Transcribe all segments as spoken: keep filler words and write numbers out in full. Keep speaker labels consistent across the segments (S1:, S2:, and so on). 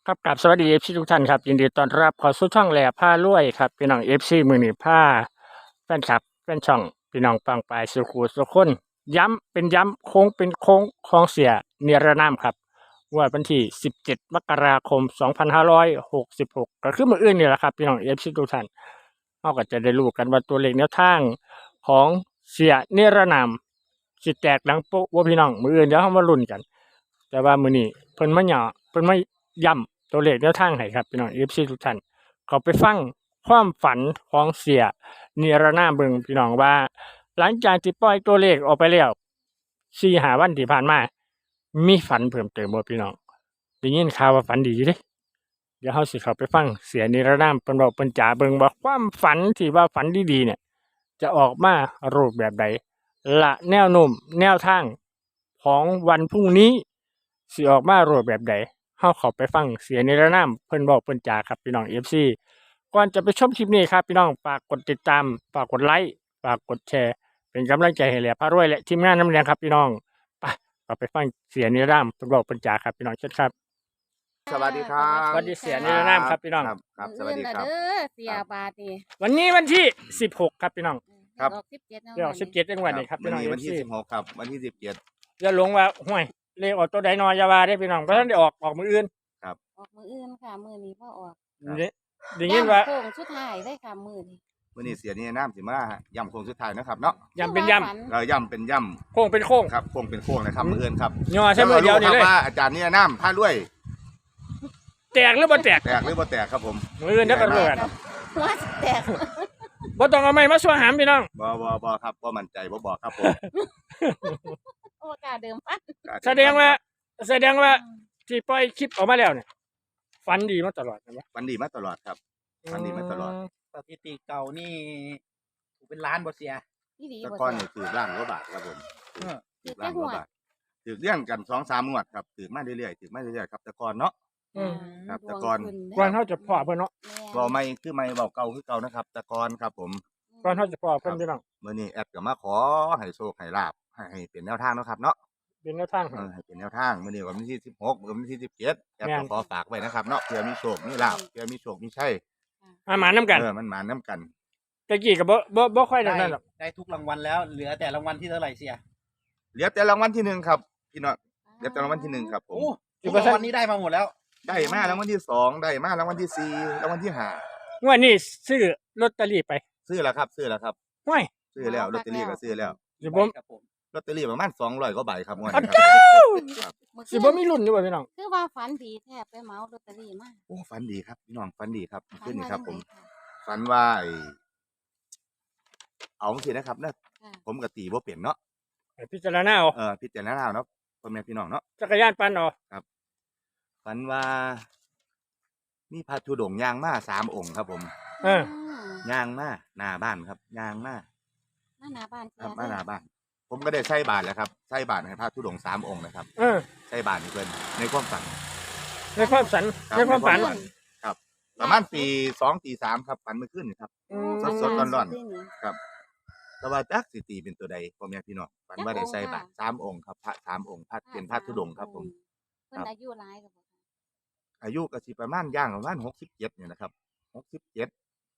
S1: ครับกับสวัสดีเอฟซีทุกท่านครับยินดีต้อนรับเข้าสู่ช่องแหล่ผ้ารวยครับพี่น้องเอฟซีมือหนีผ้าแฟนคลับแฟนช่องพี่น้องปังปลายสุขูสุขคนย้ำเป็นย้ำโค้งเป็นโค้งของเสียเนรนามครับวันที่สิบเจ็ดมกราคมสองพันห้าร้อยหกสิบหกก็คือมืออื่นนี่แหละครับพี่น้องเอฟซีทุกท่านเราก็จะได้รู้กันว่าตัวเลขแนวทางของเสียเนรนามสิแตกหลังโป๊ะว่าพี่น้องมืออื่นเดี๋ยวเรามาลุ้นกัน แต่ว่ามื้อนี้เพิ่นมาหย่อเพิ่นมาย้ำตัวเลขแนวทางให้ครับพี่น้อง เอ เอฟ ซี ทุกท่านเขาไปฟังความฝันของเสียนิรนามเบิ่งพี่น้องว่า หลังจากที่ปล่อยตัวเลขออกไปแล้วสี่ห้าวันที่ผ่านมามีฝันเพิ่มเติมบ่พี่น้องได้ยินข่าวว่าฝันดีอยู่เด้เดี๋ยวเฮาสิเข้าไปฟังเสียนิรนามเพิ่นเว้าเพิ่นจ๋าเบิ่งว่าความฝันที่ว่าฝันดีๆเนี่ยจะออกมารูปแบบใดและแนวโน้มแนวทางของวันพรุ่งนี้สิออกมารูปแบบใดเฮาเข้าไปฟังเสียนิรนามเพิ่นเว้าเพิ่นจ๋าครับพี่น้อง เอฟ ซี ก่อนจะไปชมคลิปนี้ครับพี่น้องฝากกดติดตามฝากกดไลค์ฝากกดแชร์เป็นกำลังใจให้แหล่พารวยและทีมงานน้ำเลี้ยงครับพี่น้องไปเราไปฟังเสียนิรนามเพิ่นเว้าเพิ่นจ๋าครับพี่น้องเชิญครับ
S2: สวัสดีครั
S1: ส
S2: บ
S1: วัสดีเสียนิรนามครับพี่น้อง
S2: ครับครับสวัสดีครับ
S3: เด้อเสียบาทนี่
S1: วันนี้วันที่สิบหกครับพี่น้อง
S2: ครับ
S3: ดอกสิบเจ็ด
S1: เดี๋ยวสิบเจ็ดจังหวัดนี่ครับ
S2: วั
S1: พี่
S2: น
S1: น้อง
S2: นี้
S1: เอ
S2: วัน
S1: ฟ
S2: ที่
S1: ซี
S2: สิบหกครับวันที่สิบเจ็ด
S1: อย่าหลงว่าห่วยเลขออกตัวใดนอยาวาได้พี่น้องเพราะฉะนั้นได้ออกออกมืออื่น
S3: ออกมืออื่นค่ะมือนี้พ่อออก
S1: เด้ได้ยินว่า
S3: โค้งสุดท้ายได้ค่ะมือนี้
S2: วันนี้เสียนี่น้ำสิมาย่ำโค้งสุดท้ายนะครับเนาะ
S1: ย้ำเป็นย้
S2: เราย่ำเป็นย่
S1: ำโค้งเป็นโค้ง
S2: ำครับโค้งเป็นโค้งนะครับมืออื่นครับ
S1: ย่อใช่มือเดียวนี่เลย
S2: แล้ก็รู้ครับว่าอาจารย์นี่น้ำท่าด้วย
S1: แตกหรือบ่แตก
S2: แตกหรือบ่แตกครับผม
S1: มืออื่นเดี๋ยวก็รู้กัน
S3: หัวสิแตก
S1: บ่ต้องเอาไม้มาสวหามพี่น้อง
S2: บ่บ่บ่ครับบ่มั่นใจบ่บอกครับผม
S3: โอ้กาเดิมปัด
S1: แสดงว่า แสดงว่าที่ปล่อยคลิปออกมาแล้วเนี่ยฝันดีมาตลอดนะ
S2: วันดีมาตลอดครับ ฝันดีมาตลอด
S4: สถิติเก่านี่ถูกเป็นล้านบ่เสีย
S3: นี่ดี
S2: แตะ
S3: บ่
S2: ก้อน
S3: เสี
S2: นี่
S3: ย
S2: ถือร่างกว่าบาทครับผม
S4: เออ
S3: ถือ
S2: ร่า
S3: แค่
S2: งก
S3: หัว
S2: ว่าบาทถือเลี้ยงกันสองสามงวดครับถือมาเรื่อยๆถือมาเรื่อยๆครับแตะก้อนเนาะ
S1: อืม
S2: ครับ
S3: ดวง
S2: แต่ก่อน
S3: ขึ้เด้
S1: ก่อนเขาจะพ่อเพิ่นเนาะ
S3: แม่
S2: บ่ไม่คือไม่เบาเก่าคือเก่านะครับแตะก้อนครับผม
S1: ก่อนเขาจะพ่อเพิ่นพี่น้อง
S2: มื่อนี้แอดก็มาขอให้โชคให้ลาบให้ให้เป็นแนวทางเนาะครับเนาะ
S1: เป็นแนวทาง
S2: เออให้เป็นแนวทางมื่อนี้วันที่สิบหกวันที่สิบเจ็ดแอด
S1: แม่
S2: ก็
S1: น
S2: ขอฝากไว้นะครับเนาะเพื่อมีโชคมีลาบเพื่อมีโชคมีชัย
S1: อาหมาน้ำกัน
S2: เออมันมาน้ำกัน
S1: ตะกี้ก็บ่บ่บ่ค่อยได้
S4: ได้
S1: นั่นหรอก
S4: ได้ทุกรางวัลแล้ว เหลือแต่รางวัลที่เท่าไหร่เสีย
S2: เหลือแต่รางวัลที่หนึ่งครับพี่น้องเหลือแต่รางวัลที่หนึ่งครับผม
S4: โอ้ทุกรางวัลนี้ได้มาหมดแล้ว
S2: ได้มารางวัลที่สองได้มารางวัลที่สี่รางวัลที่ห้าง
S1: วดนี้ซื้อลอตเตอรี่ไป
S2: ซื้อแล้วครับซื้อแล้วครับ
S1: ห้วย
S2: ซื้อแล้วลอตเตอรี่ก็ซื้อแล้ว
S1: สิบ่
S4: ครับผม
S2: ลอตเตอรี่ประมาณสองร้อยกว่าใบครับงวด
S1: อัน
S2: นี้ครับ
S1: เจ้า
S3: มื้อ
S1: สิบ่มีรุ่นอยู่บ่พี่น้อง
S3: คือว่าฝันดีแทบไปเหมาลอตเตอรี่มา
S2: โอ้ฝันดีครับพี่น้องฝันดีครับ
S3: ฝั
S2: ขึ้นนี่
S3: ว่า
S2: ครับ
S3: จั
S2: ผ
S3: ง
S2: ม
S3: ไดค่ะ
S2: ฝันว่าไอ้เอาสินะครับเนอะ
S3: ค่ะ
S2: ผมกับตีบ่เปลี่ยนเนาะ
S1: ให้พิจารณาเอา
S2: เออพิจารณาเอาเนาะพ่อแม่พี่น้องเนาะ
S1: จักรยานปั่นเอา
S2: ฝันว่ามีพระธุดงค์ย่างมาสามองค์ครับผม
S1: เออ
S2: ย่างมาหน้าบ้านครับย่างมา
S3: มาหน้าบ้านเสี
S2: ครั
S3: ย
S2: บมาหน้าบ้าน ผมก็ได้ใส่บาตรแล้วครับใส่บาตรให้พระธุดงค์สามองค์นะครับ
S1: เออ
S2: ใส่บาตรให้เพิ่นในความฝัน
S1: ในความฝัน
S2: ครับ
S1: ในความฝัน
S2: ในความฝัน ครับ ประมาณตีสองตีสามครับฝันเมื่อคืนนี่ครับ
S1: อืม
S2: สดๆร้อน
S3: ที่นี่
S2: แต่ว่าจักสิตีเป็นตัวใดพ่อแม่พี่น้องฝันว่าได้ใส่บาตร
S3: จักองค์ค่ะ
S2: สามองค์ครับพระสามองค์พระเป็นพระธุดงค์ครับผม
S3: เพิ่นอายุหลายกับบ่คะ
S2: อายุก็สิประมาณย่างประมาณหกสิบเจ็ดนี่นะครับหกสิบเจ็ด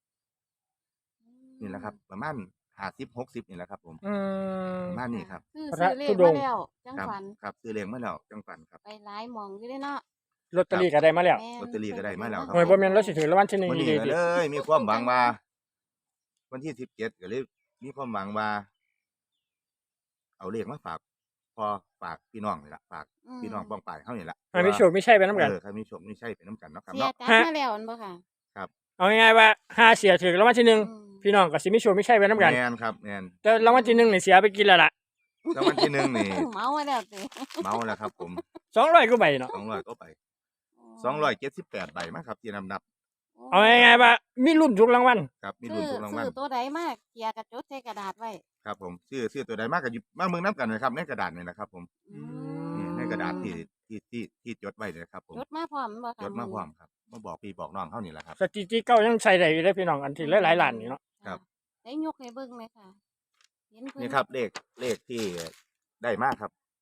S2: นี่แหละครับ ประมาณห้าสิบหกสิบนี่แหละครับผม
S1: อืม
S2: ประมาณนี้ครับ
S3: คือ
S1: พระ
S3: ซื้อเล
S1: ธุ
S3: ข
S1: ด
S3: มาง
S1: ค์
S3: แล้วจัง
S2: ครับ
S3: ฝัน
S2: ครับซื้อเลี้ยงมาแล้วจังฝันครับ
S3: ไปหลายหมองอยู่เด้เนาะ
S1: ลอตเตอรี่ก็ได้มาแล้ว
S3: แม่
S2: ลอตเตอรี่ก็ได้มาแล้วครับ
S1: โอ้ยบ่แม่นเราสิถือรางวัลที่หนึ่ง
S2: วัน
S1: ดี
S2: นี้
S1: ๆ
S2: ก็
S1: ดิ
S2: เลยมีความหวังว่า วันที่สิบเจ็ดก็เลยมีความหวังว่า เอาเลขมาฝากพอฝากพี่น้องนี่ละฝาก
S3: อืม
S2: พี่น้องป้องปลายเขานี่ละ
S1: ให้มีโชคมีชัยไปนํกัน
S2: เออใครมีโชคมีชัยเป็นน้ำกันเนาะครับ
S3: เสีย
S2: เนาะ
S3: จัดมาแล้วอันบ่ค่ะ
S1: เอาง่ายๆว่าห้าเสียถือรางวัลที่หนึ่ง
S3: อืม
S1: พี่น้องก็สิมีโชคมีชัยไปนํกัน
S2: แมนครับแมน
S1: แต่รางวัลที่หนึ่งนี่เสียไปกินแล้วล่ะ
S2: แล้ววันที่หนึ่งนี่
S3: เมามาแล้วสิ
S2: เมาแล้วครับผม
S1: สองร้อยกว่าใบเนาะ
S2: สองร้อยก็ไปสองร้อยเจ็ดสิบแปดใบมั้งครับที่นำนับ
S1: เอาง่ายๆว่ามีรุ่นทุกรางวัล
S2: ครับมี
S3: ซื้
S2: รุ่
S3: อน
S2: ทุกรางวัล
S3: ซื้อตัวใดมากเกียร์กระจดใส่กระดาษไว้
S2: ครับผมชื่อชื่อตัวใดมากกับมาเมืองน้ำกันเลยครับในกระดาษนี่นะครับผม
S3: อืม
S2: นี่ในกระดาษที่ที่ที่ที่จดไว้เลยครับผม
S3: จดมาพร้อมบ่ค่ะ
S2: จดมาพร้อมครับมาบอกพี่บอกน้องเขานี่แหละครับ
S1: สถิติเก่ายังใช้ได้อยู่ได้อพี่น้องอันที่หลายๆล้านนี่เนาะ
S2: ครับ
S3: ได้ยกให้เบิ่งไหมค่ะเห็นเพิ่น
S2: นี่ครับเลขเลขที่ได้มากครับ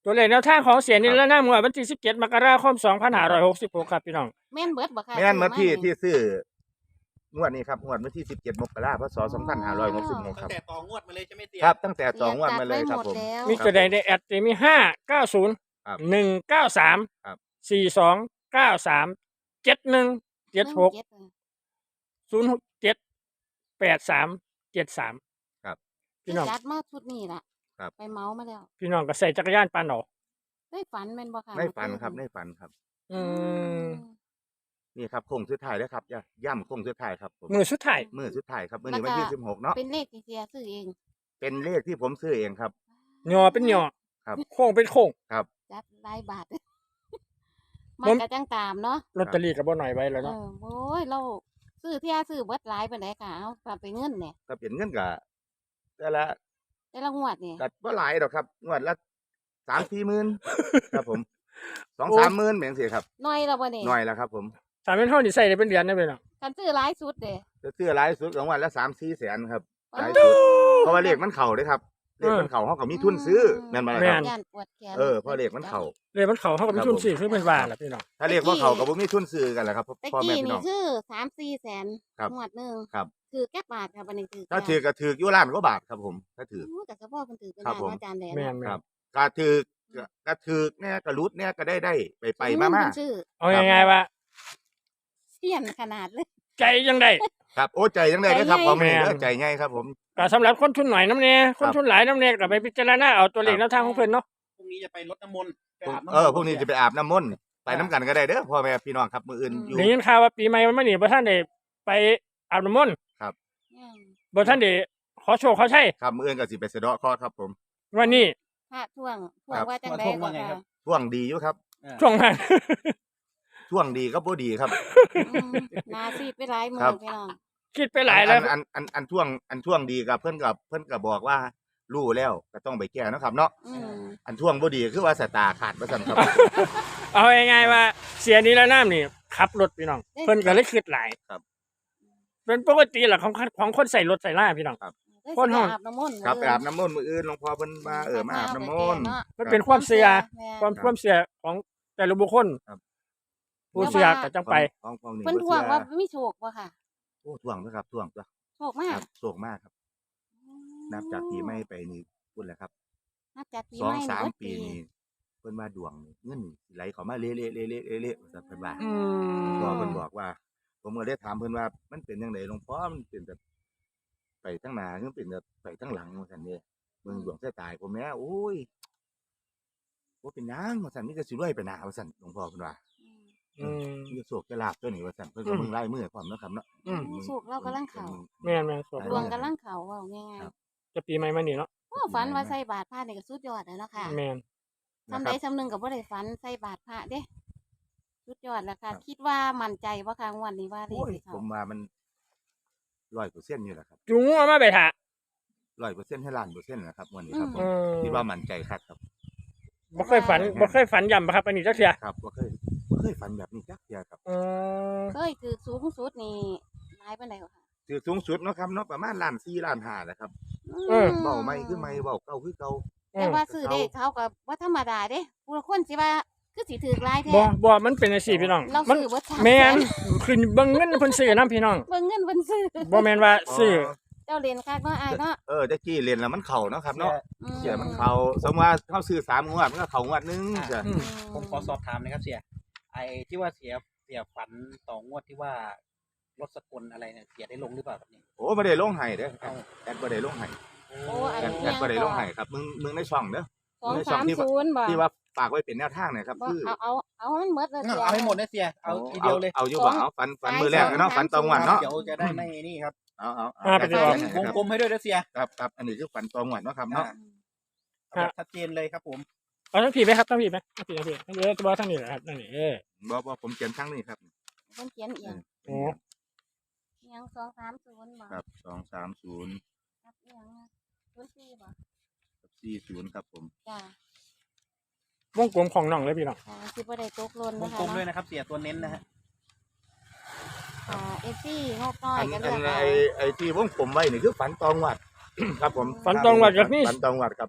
S1: ตัวเลขแนวทางของเสียนิรนามงวดวันที่สิบเจ็ดมกราคมสองพันห้าร้อยหกสิบหกครับพี่น้อง
S3: แม่นเบิดบ่ค่ะ
S2: แม่นเมื่อพี่
S3: ซื้
S2: ที่ซื้องวดนี้ครับงวดวันที่สิบเจ็ดมกราคมพศสองพันห้าร้อยหกสิบหกค
S4: ตั้
S2: รับ
S4: งแต่ต่องวดมาเลยใช่ไหมเสีย
S2: ครับตั้งแต่
S3: เสี
S2: สองงวดมาเลยครับผม
S3: จัดไว้หดแล้ว
S1: มีตัวใดในแอดจะมีห้าเก้าศูนย์
S2: ครับ
S1: หนึ่งเก้าสาม
S2: ครับ
S1: สี่สองเก้าสามเจ็ดหนึ่งเจ็ดหก
S3: เจ็ดเลย
S1: ศูนย์หกเจ็ดแปดสามเจ็ดสาม
S2: ครับ
S1: พี่น้อง
S3: จัดมาชุดนี้ล่ะ
S2: ครับ
S3: ไปเมามาแล้ว
S1: พี่น้องก็ใส่จักรยานปานเอา
S3: ได้ฝันแม่นบ่ค่ะ
S2: ในฝันครับในฝันครับ
S1: อืม
S2: นี่ครับโค้งสุดท้ายแล้วครับย่ำย่ำโค้งสุดท้ายครับผม
S1: มือสุดท้าย
S2: มือสุดท้ายครับมือนี้วันที่สิบหกเนาะ
S3: เป็นเลขที่เสียซื้อเอง
S2: เป็นเลขที่ผมซื้อเองครับ
S1: ยอเป็นยอ
S2: ครับ
S1: โค้งเป็นโค้ง
S2: ครับ
S3: จัดหลายบาท
S1: ผ
S3: มัน
S1: ม
S3: ก็จังตามเนาะ
S1: ลอตเตอรี่ก็บ่หน่อยไว้แล้ว
S3: เอ
S1: เนาะ
S3: อโอ้ยเราซื้อที่อาซื้อเบิดหลายปานใดค่ะเอาฝากไปเงินเนี่ย
S2: ถ้าเป็นเงินก็แต่ละ
S3: แต่ละงวดนี่
S2: ก็บ่หลายดอกครับงวดละสามสี่หมื่นครับผมสองสามหมื่นเหมือนสิครับ
S3: น้อยแล้วบ่นี่
S2: หน่อยแล้วครับผม
S1: สามเป็นเท่านี่ใส่ได้เป็นเดือนได้เป็นเนาะ
S3: คันซื้อหลายสุดเด้
S2: จะซื้อหลายสุดของวันละสามสี่แสนครับห
S3: ปา
S2: ลาย
S3: ด
S2: สุดเพราะว่าเลขมันเข่าเด้ครับเลขมันเข่าเขาก็มีทุนซื้อแม่นบ่ล่ะครับ
S3: ย่านปวดแขน
S2: เออเพราะเลขมันเข่า
S1: เลยมันเขาเท่ากับมีทุนสี่คือเป็นว่าล่ะพี่น้อง
S2: ถ้าเลขว่าเข่าก็บ่มีทุนซื้อกันแหละครับ
S3: ตะ
S2: พ่อแม่
S3: กี้
S2: พี่น้
S3: นี่
S2: อง
S3: คือสามสี่แสน
S2: ครับ
S3: งวดหนึง
S2: ครับ
S3: ถือแก้บาทค่ะบัดนี้ถือ
S2: ถ้าถือก็ถืออยู่ล้านกว่าบาทครับผมถ้าถือ
S3: โอ้แต่เฉพาะเพิ่นถือเป็น
S2: ครับ
S3: ล้าน
S2: ผม
S3: อาจารย์แหลม
S1: แม่น
S2: ค
S1: ๆ
S2: รับก็ถือก็ถือเนี่ยก็รุดเนี่ยก็ได้ได้ไปไปมามา
S3: เพิ่นชื่อ
S1: เอาง่ายๆว่า
S3: เสี้ยนขนาดเลย
S1: ใจยังได้
S2: ครับโอ้ใจยังได้เลยครับ
S3: ใจ
S2: พ่อ
S3: ใหญ่
S2: แม่
S1: แม่น
S2: เด้อใจง่ายครับผม
S1: ก็สำหรับคนทุนหน่อยน้ำเนี่ยคนทุนหลายน้ำเนี่ยก็ไปพิจารณาเอาตัวเลข
S2: ครับ
S1: แนวทางของเพิ่นเนาะ
S4: พรุ่งนี้จะไปรดน้ำมนต์ไปอาบน้ำมนต์
S2: เออพวกนี้จะไปอาบน้ำมนต์ไปน้ำกันก็ได้เด้อพ่อแม่พี่น้องครับมืออื่นอยู่
S1: ได้ยินข่าวว่าปีใหม่มันมานี่บ่ท่านได้ไปอาบน้ำมนต์
S3: อืม
S1: บ่ท่านได้ขอโชคขอชัย
S2: ครับมืออื่นก็สิไปสะเดาะเคราะห์ครับผม
S1: วันนี้
S3: พระท่วงท่ว
S2: ครั
S3: ง
S2: บ
S3: ว่าจังได๋ก็ค่ะ
S2: ช่วงดีอยู่ครับ
S4: เออ
S1: ช่วงนั้น
S2: ช่วงดีก็บ่ดีครับ
S3: อืมนาซีดไปหลายมือ
S2: ครับ
S3: พี่น้อง
S1: คิดไปหลายแล้ว
S2: อันอันอันอันช่วงอันช่วงดีกับเพิ่นกับเพิ่นก็บอกว่ารู้แล้วก็ต้องไปแก้เนาะครับเนาะ
S3: อืม
S2: อันช่วงบ่ดีคือว่าสายตาขาดว่าซั่นครับ
S1: เอาง่ายๆว่าเสียนี้แล้วน้ำนี่ขับรถพี่น้อง เพิ่นก็เลยคิดหลาย
S2: ครับ
S1: เป็นปกติแหละของของคนใส่รถใส่ล่าพี่น้อง
S3: ได้
S1: คน
S3: สิ
S1: ห้อง
S3: อาบน้ำมนต์
S2: ครับไป
S3: มื้
S2: อาบน้ำมนต์มื้ออื่นหลวงพ่อเพิ่นมาเออมาอาบน้ำมนต์
S3: เาะ
S1: มันเป็นความเสีย
S3: แม่
S1: ความความเสียของแต่ละบุคคล
S2: ครับ
S1: ผู้เสียก็จังไป
S2: ของของนี่
S3: เพิ่น
S2: บ่
S3: ท่วง
S2: เชื่อ
S3: ว่ามีโชคบ่ค่ะ
S2: โอ้ท่วงนะครับท่วงจ้ะ
S3: โชคมา
S2: ค
S3: ก
S2: รับโศกมากครับ นับจากปีใหม่ไปนี่พุ่นแหละครับ
S3: นับจากปี
S2: สอง
S3: ใหม่
S2: สาม
S3: เบิด
S2: ปีนี่เพิ่นว่าดวงนี่เงินนี่สิไหลเข้ามาเละๆๆๆๆว่าซั่นเพิ่นว่า
S1: อื
S2: พอ
S1: ม
S2: เพิ่นบอกว่า ผมก็ได้ถามเพิ่นว่ามันเป็นจังไดหลวงพ่อมันเป็นแบบไปทั้งหน้าหรือเป็นแบบไปทั้งหลังว่าซั่นเด้เบิ่งดวงชะตาให้ผมแหน่โอ้ยบ่เป็นหยังว่าซั่นมีแต่สิรวยไปหน้าว่าซั่นหลวงพ่อเพิ่นว่า
S1: อืม
S2: มีโชคจะลาภตัวนี้ว่าซั่นเพิ่นก็
S1: อืม
S2: เบิ่งลายมือให้พร้อมเนาะครับเนาะ
S1: อืม
S3: โชคเรากำลังเข้า
S1: แม่นแม่นสว
S3: ดวงกำลังเข้าเว้าง่าย
S2: ครับ
S1: จะปีใหม่มานี่เนาะ
S3: ๆโอ้ฝันว่าใส่บาตรพระนี่ก็สุดยอดแล้วเนาะค่ะ
S1: แม่น
S3: ทำใดทำหนึ่งก็บ่ได้ฝันใส่บาตรพระเด้สุดยอดแล้วค่ะ
S2: ครับ
S3: คิดว่ามั่นใจว่าค่ะงวดนี้ว่าเล
S2: โอ้
S3: ข
S2: ย
S3: สิเข้า
S2: ผมว่ามันร้อยเปอร์เซ็นต์อยู่แหละครับ
S1: จุงเอามาไปถ่า
S2: ร้อยเปอร์เซ็นต์ให้ล้านเปอร์เซ็นต์นะครับวันนี้ครับผ
S1: อื
S2: ม
S1: ม
S2: คิดว่ามั่นใจคักครับ
S1: บ่เคยฝันบ่เคยฝันย่ำบ่ครับอันนี้จักเทื่อ
S2: ครับบ่เคยบ่เคยฝันแบบนี้จักเที่ยครับ
S1: อืม
S3: เคยถือสูงสุดนี่หลายปานใดก็ค่ะ
S2: ถือสูงสุดเนาะครับเนาะประมาณล้านสี่ล้านห้านะครับ
S3: ม
S2: เว้าใหม่คือใหม่เว้าเก่าคือเก่า
S3: แต่ว่าซื้อเลขเขาก็บ่ธรรมดาเด้ผู้ละคนสิว่าคือสิถือหลายแท้
S1: บ่บ่มันเป็นจังซี่พี่น้อง
S3: เรา
S1: มัน
S3: ซื้อบ่ทัน
S1: แม่นคือเบิ่งเงินเพิ่นซื้อนํพี่น้อง
S3: เบิ่งเงินเพิ่นซื้อ
S1: บ่แม่นว่าซื้อ
S3: เจ้าเรียนคักเนาะอ้ายเนาะ
S2: เออตะกี้เรียนแล้วมันเข้าเนาะครับเนาะ
S3: อืม
S2: เสียมันเข้าสมมุติว่าเฮาซื้อสามงวดมันก็เข้างวดหนึงจ้ะ
S1: อืม
S4: ผมขอสอบถามหนะครับเสีย ไอ้ที่ว่าเสียเสียฝันต่องวดที่ว่ารถสกลอะไรเนี่ยเสียได้ลงหรือเปล่าครับนี่
S2: โอ้บ่ได้ลงให้เด้อ
S4: เอา
S2: แอดบ่ได้ลงให้
S3: โอ้อัน
S2: แอด
S3: นี้
S2: แอดบ่ได้ลงให้ครับมึงมึงในช่องเด้อ
S3: สองสามศูนย์บ่
S2: ที่ว่าฝากไว้เป็นแนวทางเนะครับ
S3: บ่
S2: คือ
S3: เอาเอาเอาให้มันหมดเลย
S4: เอาให้หมดนะเสีย เอาทีเดียวเลย
S2: เอาอยู่บ่เอาฟันฟันมือแรกเนาะฟันตองวัน
S4: ครั
S2: เนาะ
S4: บเดี๋ยวจะได้ไม่นี่ครับ
S2: เอาเอา
S1: อ่าไปดีกว่า
S4: วงกลมให้ด้วยนะเสีย
S2: ครับครับอันนี้คือฟันตองวันเนาะครับเนาะ
S4: เอาแบบชัดเจนเลยครับผม
S1: เอาทั้งผีไหมครับทั้งผีไหมทั้งผีทั้งผีทั้งผีจะบอกทั้งนี้แหละครับนั่นนี่เออ
S2: บ่บ่ผมเขียนทั้งนี้ครับ
S3: เพิ่นเขียนเอียง
S1: โอ้
S3: เอียงสองสามศูนย์บ่
S2: ครับสองสามศูนย์
S3: ครับเอียงศูนย์สี่บ่
S2: กับสี่ศูนย์ครับผม
S3: จ้า
S1: วงกลมของน้องเลยพี่น้อง
S3: อ่าสิบ่ได้ตกหล่น
S4: ว
S3: นะ
S4: ง
S3: คะ
S4: กลมด้วย
S3: เนาะ
S4: นะครับ เสียตัวเน้นนะฮะ
S3: อ่าเอซี่งบน้อย
S2: อัน
S3: ก็
S2: อั
S3: เลื
S2: น
S3: อก
S2: ไอ
S3: เอา
S2: ไอที่วงผมไว้นี่คือฝันตองวัด ครับผม
S1: ฝันตรงวัดจากนี้
S2: ฝันตองวัดครับ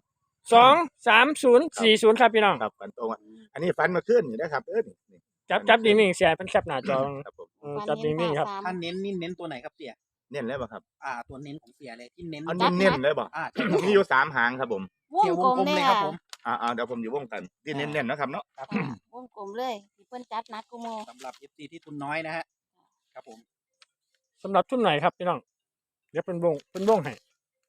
S1: สองสามศูนย์สี่ศูนย์ครับพี่น้อง
S2: ครับฝันตรงอะอันนี้ฝันมาขึ้นอยู่นะครับเออนี่นี่
S1: จับจับนิ่งๆเสียเป็นแคปหน้าจอ
S2: ครับผม
S1: เออจับนิ่งๆครับ
S4: ถ้าเน้นนี่เน้นตัวไหนครับเสีย
S2: เน้นเลยป่ะครับ
S4: อ่า ตัวเน้นของเสียเลยที่เน้น
S2: เอาเน้นๆเลยบ่
S4: อ่าใช่ครับ
S2: มีอยู่สามหางครับผม
S3: วง
S4: เสียว
S3: ก
S4: ว
S3: ล
S4: ง
S3: ม
S4: กลม
S3: เล
S4: เลย
S3: ย
S4: ครับ
S3: อ่ะ
S4: ผม
S2: อ่าๆเดี๋ยวผมอยู่วงกันที่เน้นๆนะครับเนาะ
S4: ครับ
S3: อ่าวงกลมเลยที่เพิ่นจัดนัดกูโม
S4: สำหรับ เอฟ ซี ที่ทุนน้อยนะฮะครับผม
S1: สำหรับทุนไหนครับพี่น้องเดี๋ยวเป็นวงเป็นวงให้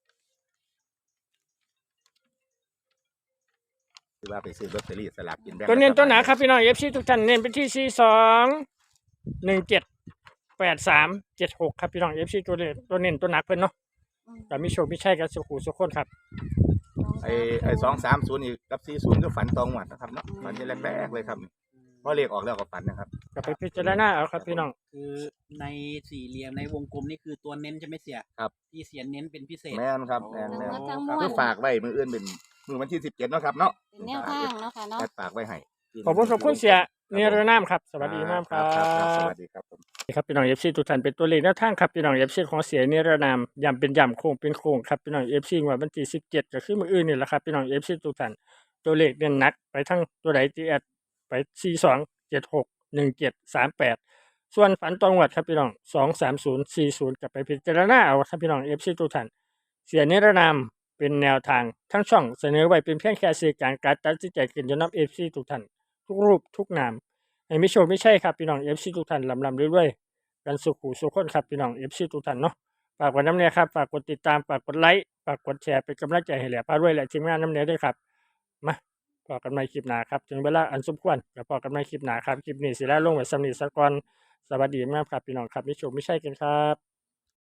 S2: คือว่าไปซื้อลอตเตอรี่สลากกินแบ่ง
S1: ตัวเน้น
S2: รัฐ
S1: ตัวไหน
S2: บาล
S1: ครับพี่น้องเอฟซีทุกท่านเน้นไปที่สี่สองหนึ่งเจ็ดแปดสามเจ็ดหกครับพี่น้องเอฟซีตัวเน้นตัวเน้นตัวหนักเพิ่นเนาะ
S3: อืม
S1: แต่มีโชคมีชัยกันสุขุสุขคนครับ
S2: ไอ้ไอ้สองสามศูนย์อีกกับสี่ศูนย์ก็ฝันตองหวัดนะครับเนาะฝันที่แรกๆเลยครับพอเลขออกแล้วก็ฝันนะครับ
S1: ก็ไปพิจารณาเอาครับพี่น้อง
S4: คือในสี่เหลี่ยมในวงกลมนี่คือตัวเน้นใช่ไหมเสีย
S2: ครับ
S4: ที่เสียเน้นเป็นพิเศษ
S2: แม่นครับแม่น
S3: ทั้ง
S2: แม่
S3: หม
S2: น
S3: ดทั้งม
S4: ครับ
S3: ว
S2: คื
S3: ล
S2: อฝากไว้มืออื่นเป็นมือวันที่สิบเจ็ดเนาะครับเนาะ
S3: เป็นแนวทางเนาะค่ะเนาะ
S2: แอดฝากไว้ให้
S1: ขอบคุณขอบคุณเสียเนรนามครับสวัสดีมากครับ
S2: สวัสดีครับผม
S1: ครับพี่น้องเอฟซีทุกท่านเป็นตัวเลขแนวทางครับพี่น้องเอฟซีของเสียเนรนามย้ำเป็นย้ำโค้งเป็นโค้งครับพี่น้องเอฟซีว่าวันที่สิบเจ็ดก็คือมื้ออื่นนี่แหละครับพี่น้องเอฟซีทุกท่านตัวเลขเด่นหนักไปทั้งตัวใดที่แอดไปสี่สองเจ็ดหกหนึ่งเจ็ดสามแปดส่วนฝันตองวัดครับพี่น้องสองสามศูนย์สี่ศูนย์กับไปพิจารณาเอาครับพี่น้องเอฟซีทุกท่านเสียเนรนามเป็นแนวทางทั้งช่องเสนอไว้เป็นเพียงแค่สื่อกลางการตัดสินใจขึ้นอยู่กับเอฟซีทุกท่านทุกรูปทุกนามให้ไม่โชคไม่ใช่ครับพี่น้องเอฟซีทุกท่านลำลำเรื่อยๆ กันสุขหูสุขคนครับพี่น้องเอฟซีทุกท่านเนาะฝากกดน้ำเนียครับฝากกดติดตามฝากกดไลค์ฝากกดแชร์เป็นกำลังใจให้แหล่พาด้วยและทีมงานน้ำเนียด้วยครับมาพอกันใหม่คลิปหน้าครับถึงเวลาอันสมควรจะพอกันใหม่คลิปหน้าครับคลิปนี้สิแล้วลงไว้สำนีสกอนสวัสดีมากครับพี่น้องครับมิโชคไม่ใช่กันครับ